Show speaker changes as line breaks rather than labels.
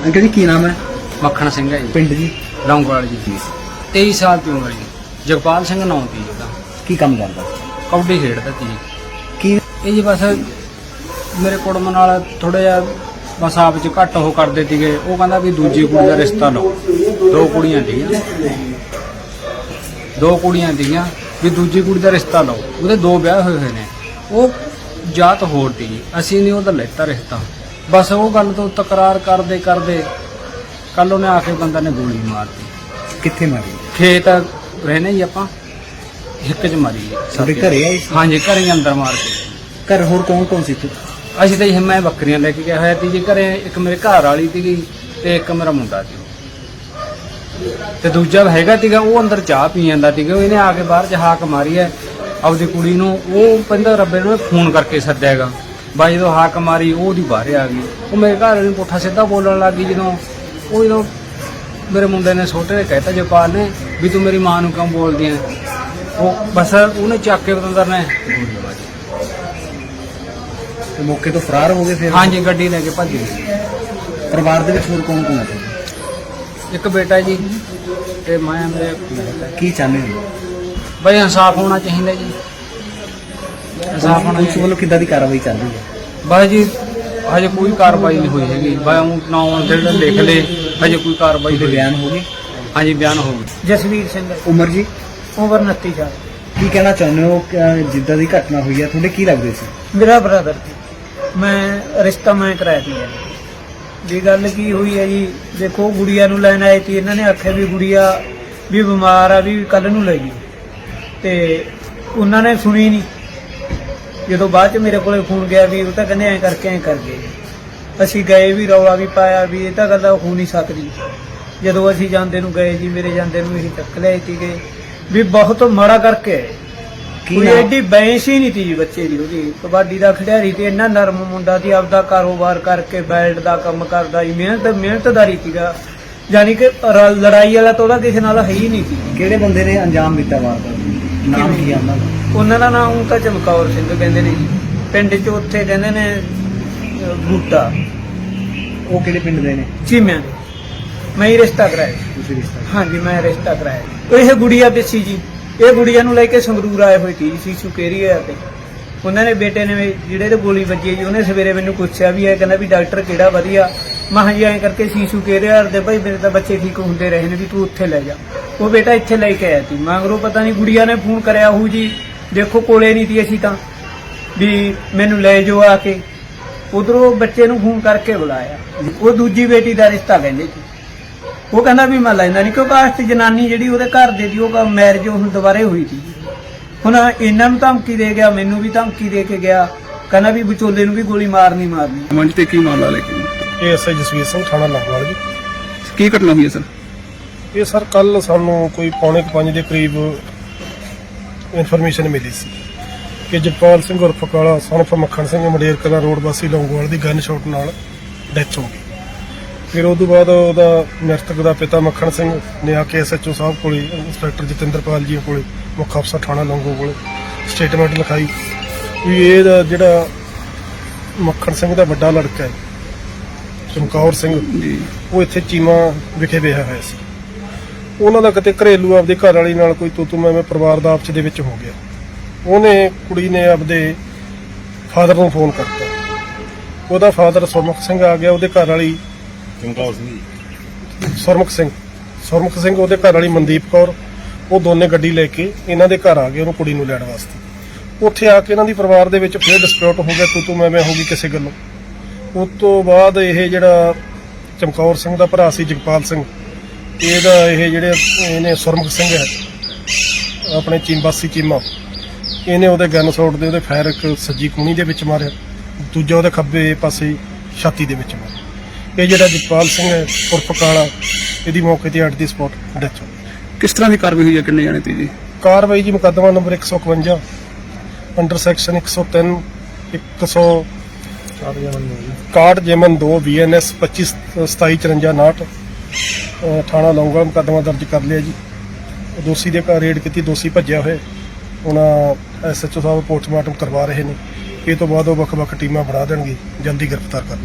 Uncle जी की नाम है?
ਮੱਖਣ ਸਿੰਘ ਹੈ ਜੀ,
पिंड जी
ਲੌਂਗੋਵਾਲ ਜੀ। 23 ਸਾਲ ਦੀ ਉਮਰ ਜੀ। ਜਗਪਾਲ ਸਿੰਘ ਨਾਂ ਦੀ ਉਹਦਾ।
की काम करता?
ਕਬੱਡੀ ਖੇਡਦਾ ਸੀ ਜੀ।
की
ਇਹ ਜੀ ਬਸ ਮੇਰੇ ਕੁੜਮ ਨਾਲ ਥੋੜਾ ਜਿਹਾ ਬਸ ਆਪ ਚ ਘੱਟ ਉਹ ਕਰਦੇ ਸੀਗੇ। ਉਹ ਕਹਿੰਦਾ ਵੀ ਦੂਜੀ ਕੁੜੀ ਦਾ ਰਿਸ਼ਤਾ ਲਓ। ਦੋ ਕੁੜੀਆਂ ਸੀਗੀਆਂ ਵੀ ਦੂਜੀ ਕੁੜੀ ਦਾ ਰਿਸ਼ਤਾ ਲਓ। ਉਹਦੇ ਦੋ ਵਿਆਹ ਹੋਏ ਨੇ। ਉਹ ਜਾਤ ਹੋਰ ਸੀ ਜੀ, ਅਸੀਂ ਨਹੀਂ ਉਹਦਾ ਲੈਤਾ ਰਿਸ਼ਤਾ। ਬਸ ਉਹ ਗੱਲ ਤੋਂ ਤਕਰਾਰ ਕਰਦੇ ਕਰਦੇ ਕੱਲ ਉਹਨੇ ਆ ਕੇ ਬੰਦਾ ਨੇ ਗੋਲੀ ਮਾਰਤੀ।
कितने मारी?
ਖੇਤ ਰਹਿਨੇ ਜੀ ਆਪਾਂ, ਹਿੱਕ ਚ ਮਾਰੀ ਜੀ।
ਤੁਹਾਡੇ ਘਰੇ ਆਏ ਸੀ?
ਹਾਂਜੀ, ਘਰੇ ਹੀ ਅੰਦਰ ਮਾਰ ਕੇ।
घर होर कौन कौन सी?
ਅਸੀਂ ਤਾਂ ਜੀ ਮੈਂ ਬੱਕਰੀਆਂ ਲੈ ਕੇ ਗਿਆ ਹੋਇਆ ਸੀ ਜੀ ਘਰੇ। ਇੱਕ ਮੇਰੇ ਘਰ ਵਾਲੀ ਸੀਗੀ ਤੇ ਇੱਕ ਮੇਰਾ ਮੁੰਡਾ ਸੀ ਤੇ ਦੂਜਾ ਹੈਗਾ ਸੀਗਾ। ਉਹ ਅੰਦਰ ਚਾਹ ਪੀ ਜਾਂਦਾ ਸੀਗਾ। ਇਹਨੇ ਆ ਕੇ ਬਾਹਰ ਚ ਹਾਕ ਮਾਰੀ ਹੈ ਆਪਦੀ ਕੁੜੀ ਨੂੰ। ਉਹ ਕਹਿੰਦਾ ਰੱਬੇ ਨੂੰ ਫੋਨ ਕਰਕੇ ਸੱਦਿਆਗਾ। ਬਾਈ ਜਦੋਂ ਹਾਕ ਮਾਰੀ ਉਹ ਉਹਦੀ ਬਾਹਰ ਆ ਗਈ। ਉਹ ਮੇਰੇ ਘਰ ਵਾਲੇ ਨੂੰ ਪੁੱਠਾ ਸਿੱਧਾ ਬੋਲਣ ਲੱਗ ਗਈ। ਜਦੋਂ ਮੇਰੇ ਮੁੰਡੇ ਨੇ ਛੋਟੇ ਨੇ ਕਹਿਤਾ ਜਪਾਲ ਨੇ ਵੀ ਤੂੰ ਮੇਰੀ ਮਾਂ ਨੂੰ ਕਿਉਂ ਬੋਲਦੀ ਹੈ। ਉਹ ਬਸ ਉਹਨੇ ਚੱਕ ਕੇ ਬਤੰਦਰ ਨੇ ਗੋਲੀ ਮਾਰੀ।
तो मौके तो फरार हो गए फिर?
ਹਾਂਜੀ, ਗੱਡੀ ਲੈ ਕੇ ਭੱਜ ਗਈ।
परिवार दे विच होर कौन कौन है?
ਇੱਕ ਬੇਟਾ ਜੀ ਤੇ ਮੈਂ ਮੇਰੇ
की चाहते हो?
ਬਈ ਇਨਸਾਫ ਹੋਣਾ ਚਾਹੀਦਾ ਜੀ। ਇਨਸਾਫ ਹੋਣਾ
पुलिस
ਚਾਹੀਦਾ।
वालों किद्दां दी कार्रवाई चल रही है?
ਬਸ ਜੀ ਹਜੇ ਕੋਈ ਕਾਰਵਾਈ ਨਹੀਂ ਹੋਈ ਹੈਗੀ। ਬਈ ਉਹ ਨਾਮ ਜਿਹੜਾ ਲਿਖ ਲੇ, ਹਜੇ ਕੋਈ ਕਾਰਵਾਈ
कोई
ਹੋਈ।
बयान हो गए?
ਹਾਂਜੀ, ਬਿਆਨ ਹੋ ਗਏ।
ਜਸਵੀਰ ਸਿੰਘ
उमर जी
ਉਮਰ 29 ਸਾਲ।
की कहना चाਹੁੰਦੇ हो कि जिद्दां दी घटना हुई है ਤੁਹਾਡੇ ਕੀ ਲੱਗਦੇ ਸੀ?
ਮੇਰਾ ਬ੍ਰਦਰ ਮੈਂ ਰਿਸ਼ਤਾ ਮੈਂ ਕਰਾਇਆ ਸੀ ਜੀ। ਗੱਲ ਕੀ ਹੋਈ ਹੈ ਜੀ, ਦੇਖੋ ਗੁੜੀਆ ਨੂੰ ਲੈਣ ਆਏ ਸੀ। ਇਹਨਾਂ ਨੇ ਆਖਿਆ ਵੀ ਗੁੜੀਆ ਵੀ ਬਿਮਾਰ ਆ, ਵੀ ਕੱਲ ਨੂੰ ਲੈ ਜੀ। ਤੇ ਉਹਨਾਂ ਨੇ ਸੁਣੀ ਨਹੀਂ। ਜਦੋਂ ਬਾਅਦ ਚ ਮੇਰੇ ਕੋਲੇ ਫੋਨ ਗਿਆ ਵੀ ਉਹ ਤਾਂ ਕਹਿੰਦੇ ਐਂ ਕਰਕੇ ਐਂ ਕਰ ਗਏ। ਅਸੀਂ ਗਏ ਵੀ, ਰੌਲਾ ਵੀ ਪਾਇਆ ਵੀ ਇਹ ਤਾਂ ਗੱਲ ਹੋ ਨਹੀਂ ਸਕਦੀ। ਜਦੋਂ ਅਸੀਂ ਜਾਂਦੇ ਨੂੰ ਗਏ ਜੀ, ਮੇਰੇ ਜਾਂਦੇ ਨੂੰ ਇਹ ਚੱਕ ਲਿਆਏ ਸੀਗੇ ਵੀ ਬਹੁਤ ਮਾੜਾ ਕਰਕੇ ਆਏ।
ਕੀ
ਕੋਈ
ਨਾਮ?
ਐਡੀ ਬੈਂਸ ਹੀ ਨਹੀਂ ਤੀ ਜੀ ਬੱਚੇ ਦੀ। ਉਹਦੀ ਕਬੱਡੀ ਦਾ ਖਿਡਾਰੀ ਤੇ ਇੰਨਾ ਨਰਮ ਮੁੰਡਾ ਸੀ। ਆਪਦਾ ਕਾਰੋਬਾਰ ਕਰਕੇ ਬੈਲਟ ਦਾ ਕੰਮ ਕਰਦਾ ਜੀ। ਮਿਹਨਤਦਾਰੀ ਸੀਗਾ। ਯਾਨੀ ਕਿ ਲੜਾਈ ਵਾਲਾ ਤਾਂ ਉਹਦਾ ਕਿਸੇ ਨਾਲ ਹੈ ਹੀ ਨਹੀਂ ਸੀ।
ਕਿਹੜੇ ਬੰਦੇ ਨੇ ਅੰਜਾਮ ਦਿੱਤਾ ਵਾਰਦਾਤ? ਨਾਮ ਕੀ ਆ ਉਹਨਾਂ ਦਾ?
ਉਹਨਾਂ ਦਾ ਨਾਮ ਤਾਂ ਚਮਕੌਰ ਸਿੰਘ ਕਹਿੰਦੇ ਨੇ ਜੀ। ਪਿੰਡ 'ਚ ਉੱਥੇ ਕਹਿੰਦੇ ਨੇ ਬੂਟਾ।
ਉਹ ਕਿਹੜੇ ਪਿੰਡ ਦੇ ਨੇ?
ਚੀਮਿਆਂ ਦੇ। ਮੈਂ ਹੀ ਰਿਸ਼ਤਾ ਕਰਾਇਆ।
ਤੁਸੀਂ ਰਿਸ਼ਤਾ?
ਹਾਂਜੀ, ਮੈਂ ਰਿਸ਼ਤਾ ਕਰਾਇਆ। ਇਹ ਗੁੜੀਆ ਪਿੱਛੀ ਜੀ। ਇਹ ਗੁੜੀਆ ਨੂੰ ਲੈ ਕੇ ਸੰਗਰੂਰ ਆਏ ਹੋਏ ਸੀ ਸੀਸੂ ਕੇਰੀਆ ਤੇ। ਉਹਨਾਂ ਨੇ ਬੇਟੇ ਨੇ ਜਿਹੜੇ ਤੇ ਗੋਲੀ ਵੱਜੀ ਜੀ, ਉਹਨੇ ਸਵੇਰੇ ਮੈਨੂੰ ਪੁੱਛਿਆ ਵੀ ਇਹ ਕਹਿੰਦਾ ਵੀ ਡਾਕਟਰ ਕਿਹੜਾ ਵਧੀਆ। ਮੈਂ ਕਿਹਾ ਜੀ ਐਂ ਕਰਕੇ ਸੀਸੂ ਕੇਰੀਆ ਦੇ ਭਾਈ ਮੇਰੇ ਤਾਂ ਬੱਚੇ ਠੀਕ ਹੁੰਦੇ ਰਹੇ ਨੇ ਵੀ ਤੂੰ ਉੱਥੇ ਲੈ ਜਾ। ਉਹ ਬੇਟਾ ਇੱਥੇ ਲੈ ਕੇ ਆਇਆ ਸੀ। ਮਗਰੋਂ ਪਤਾ ਨਹੀਂ ਗੁੜੀਆ ਨੇ ਫੋਨ ਕਰਿਆ ਹੋਊ ਜੀ। ਦੇਖੋ ਕੋਲੇ ਨਹੀਂ ਸੀ ਅਸੀਂ ਤਾਂ ਵੀ ਮੈਨੂੰ ਲੈ ਜਾਓ ਆ ਕੇ। ਉਧਰੋਂ ਬੱਚੇ ਨੂੰ ਫੋਨ ਕਰਕੇ ਬੁਲਾਇਆ। ਉਹ ਦੂਜੀ ਬੇਟੀ ਦਾ ਰਿਸ਼ਤਾ ਕਹਿੰਦੇ ਸੀ। ਉਹ ਕਹਿੰਦਾ ਵੀ ਮੈਂ ਲੈਂਦਾ ਨਹੀਂ ਕਿਉਂਕਿ ਆਸਤ ਜਨਾਨੀ ਜਿਹੜੀ ਉਹਦੇ ਘਰ ਦੇ ਦੀ ਉਹ ਮੈਰਿਜ ਹੁਣ ਦੁਬਾਰੇ ਹੋਈ ਸੀ। ਹੁਣ ਇਹਨਾਂ ਨੂੰ ਧਮਕੀ ਦੇ ਗਿਆ, ਮੈਨੂੰ ਵੀ ਧਮਕੀ ਦੇ ਕੇ ਗਿਆ। ਕਹਿੰਦਾ ਵੀ ਵਿਚੋਲੇ ਨੂੰ ਵੀ ਗੋਲੀ ਮਾਰਨੀ।
ਮੰਚ ਤੇ ਕੀ ਮਾਮਲਾ ਲੈ ਕੇ?
ਇਹ ਐਸਆਈ ਜਸਵੀਰ ਸਿੰਘ ਥਾਣਾ ਲੌਂਗੋਵਾਲ ਜੀ।
ਕੀ ਘਟਨਾ ਹੋਈ ਹੈ ਸਰ?
ਇਹ ਸਰ ਕੱਲ ਸਾਨੂੰ ਕੋਈ 4:45 ਦੇ ਕਰੀਬ ਇਨਫੋਰਮੇਸ਼ਨ ਮਿਲੀ ਸੀ ਕਿ ਜਪਾਲ ਸਿੰਘ ਉਰਫ ਕਾਲਾ ਸਨਫ ਮੱਖਣ ਸਿੰਘ ਮੰਡੇਰ ਕਲਾਂ ਰੋਡ ਵਾਸੀ ਲੌਂਗੋਵਾਲ ਦੀ ਗਨ ਸ਼ਾਟ ਨਾਲ ਡੈਥ ਹੋ ਗਈ। ਫਿਰ ਉਸ ਤੋਂ ਬਾਅਦ ਉਹਦਾ ਮ੍ਰਿਤਕ ਦਾ ਪਿਤਾ ਮੱਖਣ ਸਿੰਘ ਨੇ ਆ ਕੇ ਐਸਐਚਓ ਸਾਹਿਬ ਕੋਲੇ, ਇੰਸਪੈਕਟਰ ਜਤਿੰਦਰਪਾਲ ਜੀ ਕੋਲੇ, ਮੁੱਖ ਅਫਸਰ ਥਾਣਾ ਲੌਂਗੋਵਾਲ ਕੋਲੇ ਸਟੇਟਮੈਂਟ ਲਿਖਾਈ ਵੀ ਇਹਦਾ ਜਿਹੜਾ ਮੱਖਣ ਸਿੰਘ ਦਾ ਵੱਡਾ ਲੜਕਾ ਹੈ ਚਮਕੌਰ ਸਿੰਘ
ਜੀ,
ਉਹ ਇੱਥੇ ਚੀਮਾ ਵਿਖੇ ਵਿਆਹਿਆ ਹੋਇਆ ਸੀ। ਉਹਨਾਂ ਦਾ ਕਿਤੇ ਘਰੇਲੂ ਆਪਦੇ ਘਰ ਵਾਲੀ ਨਾਲ ਕੋਈ ਤੂੰ ਮੈਂ ਪਰਿਵਾਰ ਦਾ ਆਪਸ ਦੇ ਵਿੱਚ ਹੋ ਗਿਆ। ਉਹਨੇ ਕੁੜੀ ਨੇ ਆਪਦੇ ਫਾਦਰ ਨੂੰ ਫੋਨ ਕਰਤਾ। ਉਹਦਾ ਫਾਦਰ ਸੁਰਮੁਖ ਸਿੰਘ ਆ ਗਿਆ। ਉਹਦੇ ਘਰ ਵਾਲੀ ਸੁਰਮੁਖ ਸਿੰਘ ਉਹਦੇ ਘਰ ਵਾਲੀ ਮਨਦੀਪ ਕੌਰ, ਉਹ ਦੋਨੇ ਗੱਡੀ ਲੈ ਕੇ ਇਹਨਾਂ ਦੇ ਘਰ ਆ ਗਏ ਉਹਨੂੰ ਕੁੜੀ ਨੂੰ ਲੈਣ ਵਾਸਤੇ। ਉੱਥੇ ਆ ਕੇ ਇਹਨਾਂ ਦੀ ਪਰਿਵਾਰ ਦੇ ਵਿੱਚ ਫਿਰ ਡਿਸਪਿਊਟ ਹੋ ਗਿਆ, ਤੂੰ ਮੈਂ ਹੋ ਗਈ ਕਿਸੇ ਗੱਲੋਂ। ਉਸ ਤੋਂ ਬਾਅਦ ਇਹ ਜਿਹੜਾ ਚਮਕੌਰ ਸਿੰਘ ਦਾ ਭਰਾ ਸੀ ਜਗਪਾਲ ਸਿੰਘ, ਇਹਦਾ ਇਹ ਜਿਹੜੇ ਇਹਨੇ ਸੁਰਮੁਖ ਸਿੰਘ ਹੈ ਆਪਣੇ ਚੀਮਵਾਸੀ ਚੀਮਾ, ਇਹਨੇ ਉਹਦੇ ਗਨ ਸ਼ਾਟ ਦੇ ਉਹਦੇ ਫਾਇਰ ਇੱਕ ਸੱਜੀ ਕੂਣੀ ਦੇ ਵਿੱਚ ਮਾਰਿਆ, ਦੂਜਾ ਉਹਦੇ ਖੱਬੇ ਪਾਸੇ ਛਾਤੀ ਦੇ ਵਿੱਚ ਮਾਰਿਆ। ਇਹ ਜਿਹੜਾ ਜਗਪਾਲ ਸਿੰਘ ਹੈ ਉਰਫ ਕਾਲਾ, ਇਹਦੀ ਮੌਕੇ ਤੇ ਅੱਡ ਦੀ ਸਪੌਟ ਡੈਥ ਹੋ ਗਈ।
ਕਿਸ ਤਰ੍ਹਾਂ ਦੀ ਕਾਰਵਾਈ ਹੋਈ ਹੈ? ਕਿੰਨੇ ਜਾਣੇ ਤੇ ਜੀ?
ਕਾਰਵਾਈ ਜੀ ਮੁਕੱਦਮਾ ਨੰਬਰ 151 ਅੰਡਰ ਸੈਕਸ਼ਨ 103 61 ਜੇਮਨ 2 BNS 25/27/54 ਥਾਣਾ ਲੌਂਗੋਵਾਲ ਮੁਕੱਦਮਾ ਦਰਜ ਕਰ ਲਿਆ ਜੀ। ਦੋਸ਼ੀ ਦੇ ਘਰ ਰੇਡ ਕੀਤੀ, ਦੋਸ਼ੀ ਭੱਜਿਆ ਹੋਇਆ। ਹੁਣ ਐਸਐਚਓ ਸਾਹਿਬ ਪੋਸਟਮਾਰਟਮ ਕਰਵਾ ਰਹੇ ਨੇ। ਇਹ ਤੋਂ ਬਾਅਦ ਉਹ ਵੱਖ-ਵੱਖ ਟੀਮਾਂ ਬਣਾ ਦੇਣਗੇ, ਜਲਦੀ ਗ੍ਰਿਫਤਾਰ ਕਰ